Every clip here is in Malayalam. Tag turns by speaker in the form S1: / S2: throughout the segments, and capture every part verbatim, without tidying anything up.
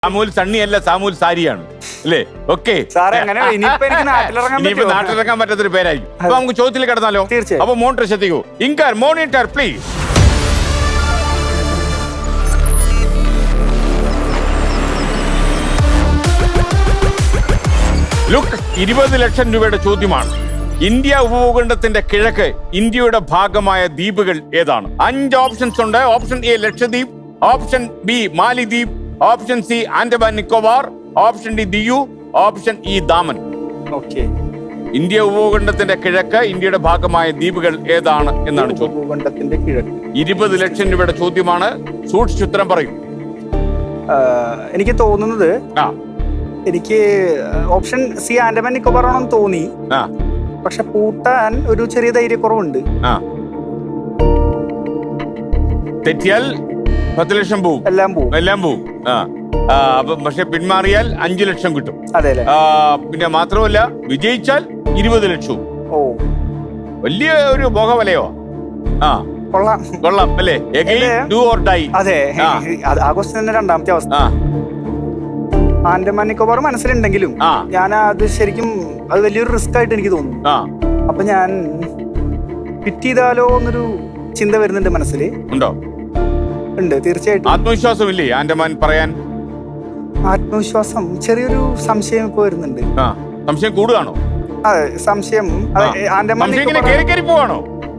S1: സാമൂൽ സണ്ണിയല്ല, സാമൂൽ സാരിയാണ് അല്ലേ? ഓക്കെ, ഇനിയിപ്പോ നാട്ടിലിറങ്ങാൻ പറ്റാത്തൊരു പേരായി. അപ്പൊ നമുക്ക് ചോദ്യത്തിൽ കിടന്നാലോ? അപ്പൊ മോണിറ്റർ ശ്രദ്ധിക്കൂ. In car monitor please. ലുക്ക്, ഇരുപത് ലക്ഷം രൂപയുടെ ചോദ്യമാണ്. ഇന്ത്യ ഉപഭൂഖണ്ഡത്തിന്റെ കിഴക്ക് ഇന്ത്യയുടെ ഭാഗമായ ദ്വീപുകൾ ഏതാണ്? അഞ്ച് ഓപ്ഷൻസ് ഉണ്ട്. Option A Lakshadweep, option B Malidweep, option C Andaman Nicobar, option D Diu, option E Daman. India ഉപഭൂഖണ്ഡത്തിന്റെ കിഴക്ക് ഇന്ത്യയുടെ ഭാഗമായ ദ്വീപുകൾ ഏതാണ് എന്നാണ് ചോദ്യം. ഇരുപത് ലക്ഷം രൂപയുടെ ചോദ്യമാണ്. സൂക്ഷിച്ചുത്തരം പറയും.
S2: എനിക്ക് തോന്നുന്നത് എനിക്ക് ഓപ്ഷൻ സി ആൻഡമാൻ നിക്കോബാർ ആണെന്ന് തോന്നി. പക്ഷെ പൂട്ടാൻ ഒരു ചെറിയ ധൈര്യക്കുറവുണ്ട്.
S1: തെറ്റിയാൽ പത്ത് ലക്ഷം പോവും, എല്ലാം പോവും എല്ലാം പോവും പക്ഷെ പിന്മാറിയാൽ അഞ്ചു ലക്ഷം കിട്ടും.
S2: അതെ.
S1: പിന്നെ മാത്രമല്ല, വിജയിച്ചാൽ ഇരുപത് ലക്ഷവും.
S2: ഓ,
S1: വലിയ ഒരു മോഹവലയോ. ആ,
S2: കൊള്ളാം
S1: കൊള്ളാം അല്ലേ? Do or die.
S2: അതെ, ആ ക്വസ്റ്റ്യൻ തന്നെ രണ്ടാമത്തെ അവസ്ഥ. ആൻഡമാൻ നിക്കോബാർ മനസ്സിലുണ്ടെങ്കിലും ഞാൻ അത് ശരിക്കും അത് വലിയൊരു റിസ്ക് ആയിട്ട് എനിക്ക് തോന്നുന്നു. അപ്പൊ ഞാൻ ഫിറ്റ് ചെയ്താലോ എന്നൊരു ചിന്ത വരുന്നുണ്ട് മനസ്സിൽ.
S1: ഉണ്ടോ?
S2: ഉണ്ട്, തീർച്ചയായിട്ടും.
S1: ആത്മവിശ്വാസമില്ലേ ആൻഡമാൻ പറയാൻ?
S2: ആത്മവിശ്വാസം, ചെറിയൊരു സംശയം ഇപ്പൊ വരുന്നുണ്ട്.
S1: സംശയം കൂടുകയാണോ?
S2: അതെ, സംശയം. ആൻഡമാൻ
S1: പോവാണോ?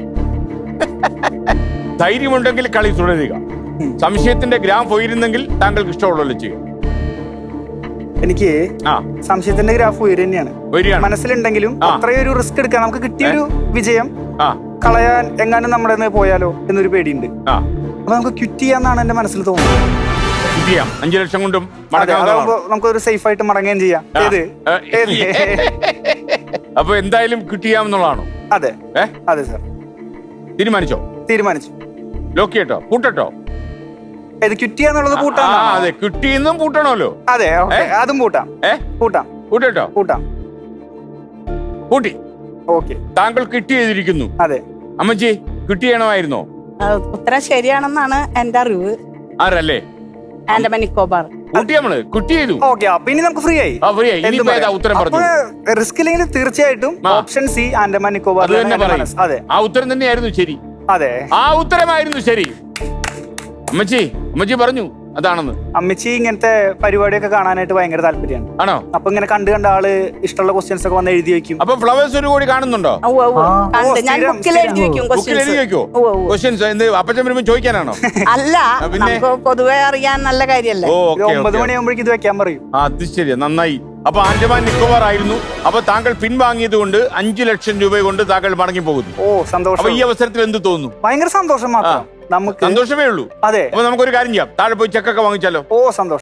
S1: ധൈര്യമുണ്ടെങ്കിൽ കളി തുടരുക. സംശയത്തിന്റെ ഗ്രാം പോയിരുന്നെങ്കിൽ താങ്കൾക്ക് ഇഷ്ടമുള്ളല്ലോ ചെയ്യുക.
S2: എനിക്ക് സംശയത്തിന്റെ ഗ്രാഫ് ഉയര് തന്നെയാണ് മനസ്സിലുണ്ടെങ്കിലും അത്രയൊരു റിസ്ക് എടുക്കാൻ നമുക്ക് കിട്ടിയൊരു വിജയം കളയാൻ എങ്ങാനും നമ്മുടെ പോയാലോ എന്നൊരു പേടിയുണ്ട്. അപ്പൊ നമുക്ക് ക്വിറ്റ് ചെയ്യാന്നാണ് എന്റെ മനസ്സിൽ തോന്നുന്നത്.
S1: അഞ്ചു ലക്ഷം കൊണ്ടും
S2: നമുക്കൊരു സേഫ് ആയിട്ട് മടങ്ങുകയും ചെയ്യാം.
S1: അപ്പൊ എന്തായാലും ക്വിറ്റ് ചെയ്യാമെന്നുള്ളതാണോ?
S2: അതെ അതെ സാർ.
S1: തീരുമാനിച്ചോ?
S2: തീരുമാനിച്ചു.
S1: ലോക്ക് ചെയ്യട്ടോ? പൂട്ടട്ടോ?
S2: ഇത് ക്വിറ്റ് ചെയ്യാന്നുള്ളത് പൂട്ടാം.
S1: അതെ, ക്വിറ്റ് ചെയ്യുന്നതും പൂട്ടണമല്ലോ.
S2: അതെ, അതും പൂട്ടാം. പൂട്ടാം
S1: പൂട്ടോ?
S2: പൂട്ടാം.
S1: പൂട്ടി.
S2: ഓക്കെ,
S1: താങ്കൾ ക്വിറ്റ് ചെയ്തിരിക്കുന്നു.
S2: അതെ.
S1: അമ്മച്ചി, ക്വിറ്റ് ചെയ്യണമായിരുന്നോ?
S3: ഉത്തരം ശരിയാണെന്നാണ് എന്റെ അറിവ്.
S1: ആരല്ലേ?
S3: ആൻഡമാൻ നിക്കോബാർ.
S1: കുട്ടി നമ്മള് ക്വിറ്റ് ചെയ്തു.
S2: ഓക്കെ, അപ്പൊ ഇനി നമുക്ക് ഫ്രീ ആയി.
S1: ഉത്തരം പറഞ്ഞു.
S2: റിസ്ക് ഇല്ലെങ്കിൽ തീർച്ചയായിട്ടും ഓപ്ഷൻ സി ആൻഡമാൻ നിക്കോബാർ.
S1: അതെ, ആ ഉത്തരം തന്നെയായിരുന്നു ശരി.
S2: അതെ,
S1: ആ ഉത്തരമായിരുന്നു ശരി. അമ്മച്ചി അമ്മച്ചി പറഞ്ഞു അതാണെന്ന്.
S2: അമ്മച്ചി ഇങ്ങനത്തെ പരിപാടിയൊക്കെ കാണാനായിട്ട് ഭയങ്കര താല്പര്യമാണ്.
S1: ആണോ?
S2: അപ്പൊ ഇങ്ങനെ കണ്ട് കണ്ട ആള് ഇഷ്ടമുള്ള ക്വസ്റ്റ്യൻസ് ഒക്കെ വന്ന് എഴുതി വെക്കും.
S1: അപ്പൊ ഫ്ലവേഴ്സ് ഒരു കൂടി കാണുന്നുണ്ടോ? അപ്പച്ചൻ വരുമ്പോ ചോദിക്കാനാണോ?
S3: അല്ല, പൊതുവെ അറിയാൻ നല്ല കാര്യല്ലേ.
S2: ഒമ്പത് മണിയാകുമ്പോഴേക്കും ഇത് വെക്കാൻ പറയും.
S1: അത് ശരി, നന്നായി. അപ്പൊ ആൻഡമാൻ നിക്കോബാർ ആയിരുന്നു. അപ്പൊ താങ്കൾ പിൻവാങ്ങിയത് കൊണ്ട് അഞ്ചു ലക്ഷം രൂപ കൊണ്ട് താങ്കൾ മടങ്ങി പോകുന്നു.
S2: ഓ, സന്തോഷം.
S1: അപ്പൊ ഈ അവസരത്തിൽ എന്ത് തോന്നുന്നു?
S2: ഭയങ്കര സന്തോഷം മാത്രം. നമുക്ക്
S1: സന്തോഷമേ ഉള്ളൂ.
S2: അതെ.
S1: അപ്പൊ നമുക്കൊരു കാര്യം ചെയ്യാം, താഴെ പോയി ചെക്കൊക്കെ വാങ്ങിച്ചാലോ?
S2: ഓ, സന്തോഷം.